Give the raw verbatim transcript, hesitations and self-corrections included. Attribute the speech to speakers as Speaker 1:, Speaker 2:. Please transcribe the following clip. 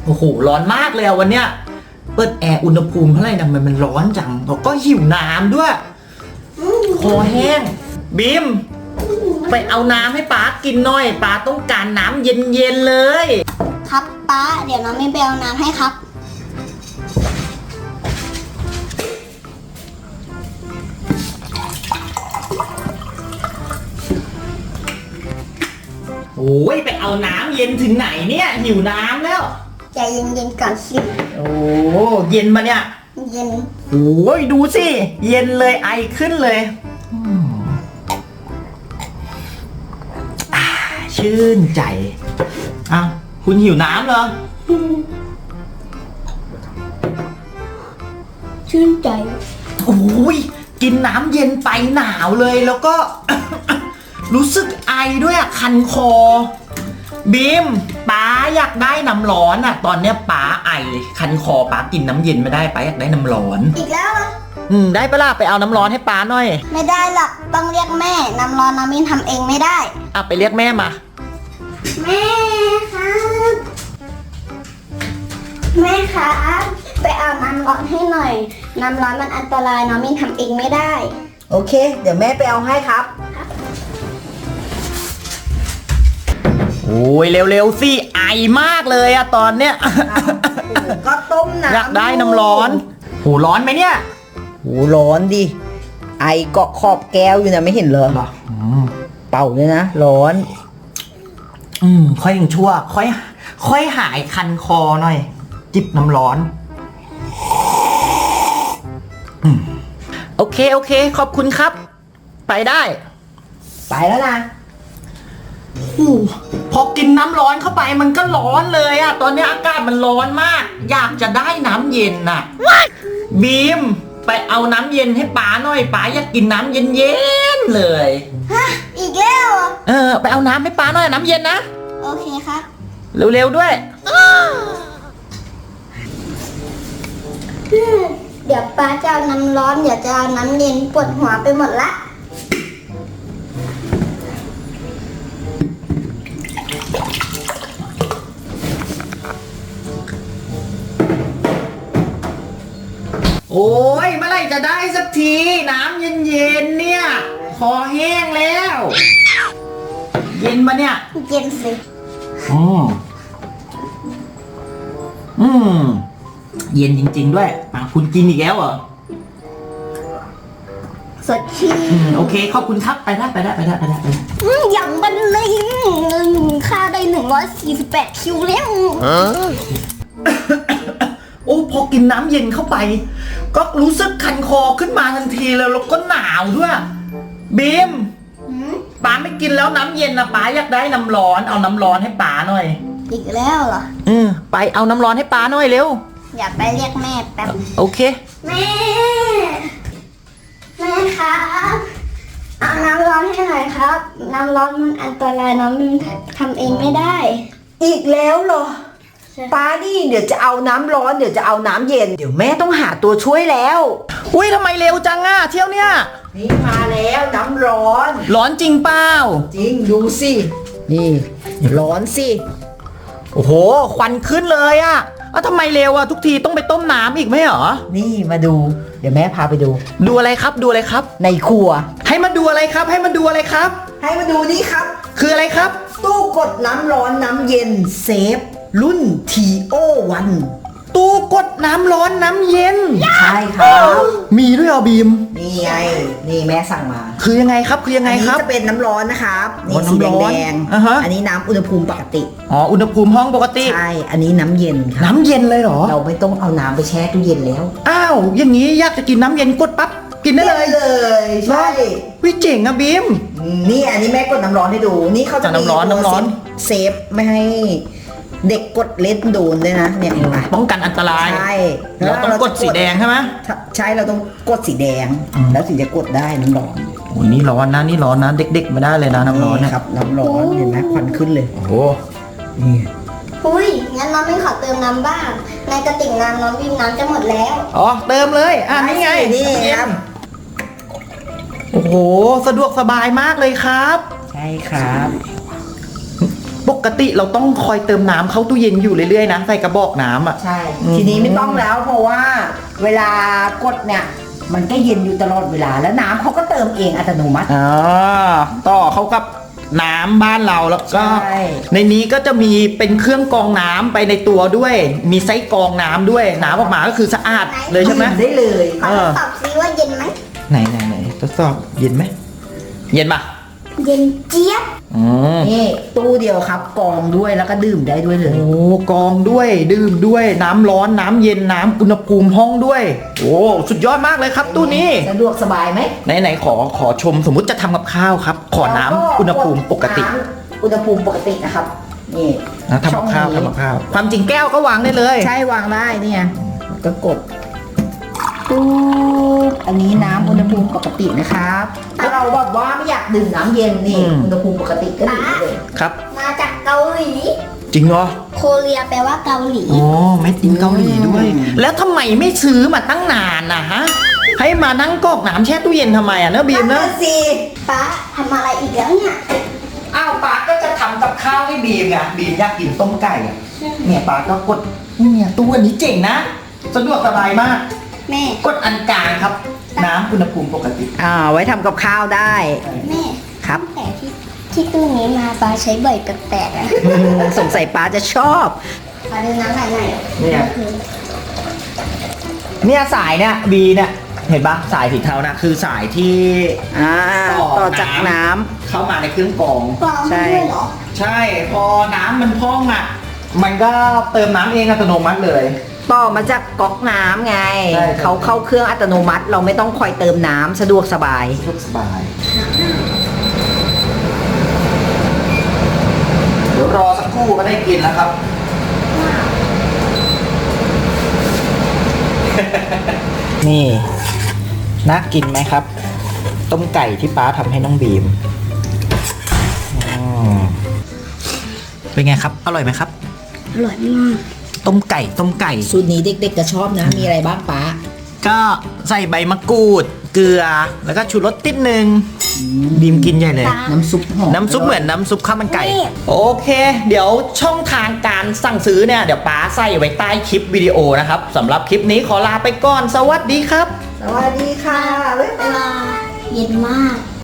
Speaker 1: โอ้โหร้อนมากเลยวันเนี้ยเปิดแอร์อุณหภูมิเท่าไหร่นะมันมันร้อนจังแล้วก็หิวน้ำด้วยคอแห้งบีมไปเอาน้ำให้ป๊ากินหน่อยป๊าต้องการน้ำเย็นๆเลย
Speaker 2: ครับป๊าเดี๋ยวน้องไม่ไปเอาน้ำให้ครับ
Speaker 1: โอ้ยไปเอาน้ำเย็นถึงไหนเนี่ยหิวน้ำแล้ว
Speaker 2: ใจเย็นๆก่อนสิ
Speaker 1: โอ้เย็นมาเนี่ย
Speaker 2: เย็น
Speaker 1: โอ้ยดูสิเย็นเลยไอขึ้นเลยชื่นใจอ้าวคุณหิวน้ำเหรอ
Speaker 2: ชื่นใจ
Speaker 1: โอ้ยกินน้ำเย็นไปหนาวเลยแล้วก็ รู้สึกไอด้วยอ่ะคันคอบีมป๊าอยากได้น้ำร้อนอ่ะตอนเนี้ยป๊าไอคันคอป๊ากินน้ำเย็นไม่ได้ป๊าอยากได้น้ำร้อน
Speaker 2: อีกแล้วเหรอ
Speaker 1: อืมได้ปะล่ะไปเอาน้ำร้อนให้ป๊าหน่อย
Speaker 2: ไม่ได้หรอกต้องเรียกแม่น้ำร้อนน้ำมินทำเองไม่ได้
Speaker 1: อ่ะไปเรียกแม่มา
Speaker 2: แม่ครับแม่ครับไปเอาน้ำร้อนให้หน่อยน้ำร้อนมันอันตรายน้ำมินทำเองไม่ได้
Speaker 3: โอเคเดี๋ยวแม่ไปเอาให้ครับ
Speaker 1: โอ้ยเร็วๆสิไอมากเลยอะตอนเนี้ย
Speaker 3: ก็ต้มน้ำ
Speaker 1: อยากได้น้ำร้อนโหร้อนไหมเนี่ย
Speaker 3: โหร้อนดิไอเกาะขอบแก้วอยู่นะไม่เห็นเลยเป่าเลยนะร้อน
Speaker 1: อืมค่อยยังชั่วค่อยค่อยหายคันคอหน่อยจิบน้ำร้อนอืมโอเคโอเคขอบคุณครับไปได้
Speaker 3: ไปแล้วนะ
Speaker 1: พอกินน้ำร้อนเข้าไปมันก็ร้อนเลยอะตอนนี้อากาศมันร้อนมากอยากจะได้น้ำเย็นน่ะบีมไปเอาน้ำเย็นให้ป๋าหน่อยป๋าอยากกินน้ำเย็นๆเลย
Speaker 2: ฮะอีกแล้ว
Speaker 1: เออไปเอาน้ำให้ป๋าหน่อยน้ำเย็นนะ
Speaker 2: โอเคครับ
Speaker 1: เร็วๆด้วย
Speaker 2: เดี๋ยวป้าจะเอาน้ำร้อนเดี๋ยวจะเอาน้ำเย็นปวดหัวไปหมดละ
Speaker 1: โอ้ยเมื่อไหร่จะได้สักทีน้ำเย็นๆเนี่ยคอแห้งแล้วเย็นปะเนี่ย
Speaker 2: เย็นสิ
Speaker 1: อืมอืมเย็นจริงๆด้วยอ่ะคุณกินอีกแล้วเหรอ
Speaker 2: สดชื่น
Speaker 1: อืมโอเคขอบคุณครับไปได้ไปได้ไปได้ไปได้ไปได้
Speaker 2: อย่างบันเลยค่าได้หนึ่งร้อยสี่สิบแปดคิวแล้ว
Speaker 1: โอ้พอกินน้ำเย็นเข้าไปก็รู้สึกคันคอขึ้นมาทันทีแล้วแล้วก็หนาวด้วยบีมป๋าไม่กินแล้วน้ำเย็นนะป๋าอยากได้น้ำร้อนเอาน้ำร้อนให้ป๋าหน่อย
Speaker 2: อีกแล้วเหรอ
Speaker 1: อืมไปเอาน้ำร้อนให้ป๋าหน่อยเร็ว
Speaker 2: อย่าไปเรียกแม่แป๊บ
Speaker 1: โอเค
Speaker 2: แม่แม่ครับเอาน้ำร้อนให้หน่อยครับน้ำร้อนมันอันตรายน้องมินทำเองไม่ได้
Speaker 3: อีกแล้วเหรอป้าดิเดี๋ยวจะเอาน้ำร้อนเดี๋ยวจะเอาน้ำเย็นเดี๋ยวแม่ต้องหาตัวช่วยแล้ว
Speaker 1: อุ้ยทำไมเร็วจังอ่ะเที่ยวเนี้ย
Speaker 3: นี่มาแล้วน้ำร้อน
Speaker 1: ร้อนจริงเปล่า
Speaker 3: จริงดูสินี่ร้อนสิ
Speaker 1: โอ้โหควันขึ้นเลยอ่ะอ้าวทำไมเร็วอ่ะทุกทีต้องไปต้มน้ำอีกไหมเหรอ
Speaker 3: นี่มาดูเดี๋ยวแม่พาไปดู
Speaker 1: ดูอะไรครับดูอะไรครับ
Speaker 3: ในครัว
Speaker 1: ให้มาดูอะไรครับให้มาดูอะไรครับ
Speaker 3: ให้มาดูนี่ครับ
Speaker 1: คืออะไรครับ
Speaker 3: ตู้กดน้ำร้อนน้ำเย็นเซฟรุ่น ที โอ วัน
Speaker 1: ตู้กดน้ำร้อนน้ำเย็น
Speaker 3: ใช่ครับ
Speaker 1: มีด้วยเหรอบีม
Speaker 3: นี่ไงนี่แม่สั่งมา
Speaker 1: คือยังไงครับคือยังไงครับ
Speaker 3: อันนี้จะเป็นน้ำร้อนนะครับนี่สีแดงๆอันนี้น้ำอุณหภูมิปกติ
Speaker 1: อ๋ออุณหภูมิห้องปกติ
Speaker 3: ใช่อันนี้น้ำเย็นครับ
Speaker 1: น้ำเย็นเลยเหรอ
Speaker 3: เราไม่ต้องเอาน้ำไปแช่ตู้เย็นแล้ว
Speaker 1: อ้าวอย่างนี้อยากจะกินน้ำเย็นกดปั๊บกินได้เลย
Speaker 3: เลยใช่
Speaker 1: วิเจ๋งอะบีม
Speaker 3: นี่อันนี้แม่กดน้ำร้อนให้ดูนี่เขาจะ
Speaker 1: น้ำร้อนน้ำร้อน
Speaker 3: เซฟไม่ให้เด็กกดเล่นโดนด้วยนะเนี่ย
Speaker 1: ป้องกันอันตราย
Speaker 3: ใช่
Speaker 1: เราต้องกดสีแดงใช่ไหม
Speaker 3: ใช่เราต้องกดสีแดงแล้วถึงจะกดได้น้ำร้อน
Speaker 1: โอ้นี่ร้อนนะนี่ร้อนนะเด็กๆไม่ได้เลยนะน้ำร้อน
Speaker 3: นะครับน้ำร้อนเห็นไหมควันขึ้นเลย
Speaker 1: โอ้โห
Speaker 3: นี่
Speaker 2: อุ้ยงั้นน้องไม่ขอเติมน้ำบ้างในกระติกน้ำน้องวิมน้ำจะหมดแล้ว
Speaker 1: อ๋อเติมเลยอ่ะนี่ไง
Speaker 3: นี่ครับ
Speaker 1: โอ้โหสะดวกสบายมากเลยครับ
Speaker 3: ใช่ครับ
Speaker 1: ปปกติเราต้องคอยเติมน้ำเข้าตู้เย็นอยู่เรื่อยๆนะใส่กระบอกน้ำอ่ะ
Speaker 3: ใช่
Speaker 1: อืม
Speaker 3: ทีนี้ไม่ต้องแล้วเพราะว่าเวลากดเนี่ย มันก็เย็นอยู่ตลอดเวลาแล้วน้ำเขาก็เติมเองอัตโนมัติ
Speaker 1: อ่าต่อเข้ากับน้ำบ้านเราแล้วก็
Speaker 3: ใช่
Speaker 1: ในนี้ก็จะมีเป็นเครื่องกรองน้ำไปในตัวด้วย มีไส้กรองน้ำด้วยน้ำออกมาก็คือสะอาดเลยใช่ไหม
Speaker 3: ได้เลย
Speaker 2: ขอทดสอบซิว่าเย็นไหม
Speaker 1: ไหนไหนไหนทดสอบเย็นไหมเย็นปะ
Speaker 2: เย็นเจี๊ยบ
Speaker 1: อืม
Speaker 3: นี่ตู้เดียวครับกรองด้วยแล้วก็ดื่มได้ด้วยเลย
Speaker 1: โอ้กรองด้วยดื่มด้วยน้ำร้อนน้ำเย็นน้ำอุณหภูมิห้องด้วย โอ้สุดยอดมากเลยครับตู้นี้
Speaker 3: สะดวกสบายไหม
Speaker 1: ไหนไหนขอขอชมสมมุติจะทำกับข้าวครับ ขอน้ำอุณหภูมิปกติ
Speaker 3: น้ำอุณหภูมิปกตินะครับนี่
Speaker 1: นะทำกับข้าว
Speaker 3: ช่องนี้
Speaker 1: ทำกับข้าวความจริงแก้วก็วางได้เลย
Speaker 3: ใช่วางได้เนี่ยก็กดปุ๊บอันนี้น้ำอุณหภูมิปกตินะครับถ้าเราแบบว่าไม่อยากดื่มน้ำเย็นนี่
Speaker 1: อืม
Speaker 3: อุณหภูมิปกติก็ดื่มได้เลย
Speaker 1: ครับ
Speaker 2: มาจากเกาหลี
Speaker 1: จริงเหรอ
Speaker 2: โคเรียแปลว่าเกาหลี
Speaker 1: โอ้เม็ดอินเกาหลีด้วย แล้วทำไมไม่ซื้อมาตั้งนานนะฮะ ให้มานั่งกรอกน้ำแช่ตู้เย็นทำไมอ่ะเนอะบีมเนอะ
Speaker 3: สิ
Speaker 2: ป้าทำอะไรอีกแล้วเนี่ย
Speaker 1: อ้าวป้าก็จะทำกับข้าวให้บีมไงบีมอยากกินต้มไก่อะเนี่ยป้าก็กดเนี่ยตู้อันนี้เจ๋งนะสะดวกสบายมาก
Speaker 2: แม่
Speaker 1: กดอันกลางครับ น้ำอุณหภูมิปกติ
Speaker 3: อ่าไว้ทำกับข้าวได้
Speaker 2: แม่
Speaker 3: ครับ
Speaker 2: ตั้งแต่ที่ที่ตู้นี้มาป้าใช้บ่อยแปลกๆอะ
Speaker 3: สงสัยป้าจะชอบ
Speaker 2: ป้าดูน้ำไหลไหน
Speaker 1: เนี่ย เนี่ยสายเนี่ยบีเนี่ยเห็นปะสายสีเทานะคือสายที่
Speaker 3: อ่า
Speaker 1: ต่อ
Speaker 3: ต่อจาก
Speaker 1: น้ำ
Speaker 3: น้ำ
Speaker 1: เข้ามาในเครื่องกรอง
Speaker 2: กรองให้ด้วยเหรอ
Speaker 1: ใช่พอน้ำมันพองอ่ะ มันก็เติมน้ำเองอัตโนมัติเลย
Speaker 3: ต่อมาจากก๊อกน้ำไง
Speaker 1: ใช่ครับ
Speaker 3: เขาเข้าเครื่องอัตโนมัติ เราไม่ต้องคอยเติมน้ำสะดวกสบาย
Speaker 1: สะดวกสบาย เดี๋ยวรอสักครู่ก็ได้กินแล้วครับ นี่น่ากินไหมครับ ต้มไก่ที่ป้าทำให้น้องบีมอืมเป็นไงครับ อร่อยไหมครับ
Speaker 2: อร่อยมาก
Speaker 1: ต้มไก่ต้มไก่
Speaker 3: สูตรนี้เด็กๆก็ชอบนะ มีอะไรบ้างป้า
Speaker 1: ก็ใส่ใบมะกรูด เกลือ แล้วก็ชูรสติดหนึ่งบีมกินใหญ่เลย
Speaker 3: น้ำซุปหอม
Speaker 1: น้ำซุปเหมือนน้ำซุปข้าวมันไก่ โอเค เดี๋ยวช่องทางการสั่งซื้อเนี่ย เดี๋ยวป้าใส่ไว้ใต้คลิปวิดีโอนะครับสำหรับคลิปนี้ขอลาไปก่อน สวัสดีครับ
Speaker 3: สวัสดีค่ะบ๊าย
Speaker 2: เว
Speaker 3: บาย
Speaker 2: ลาเย็นมาก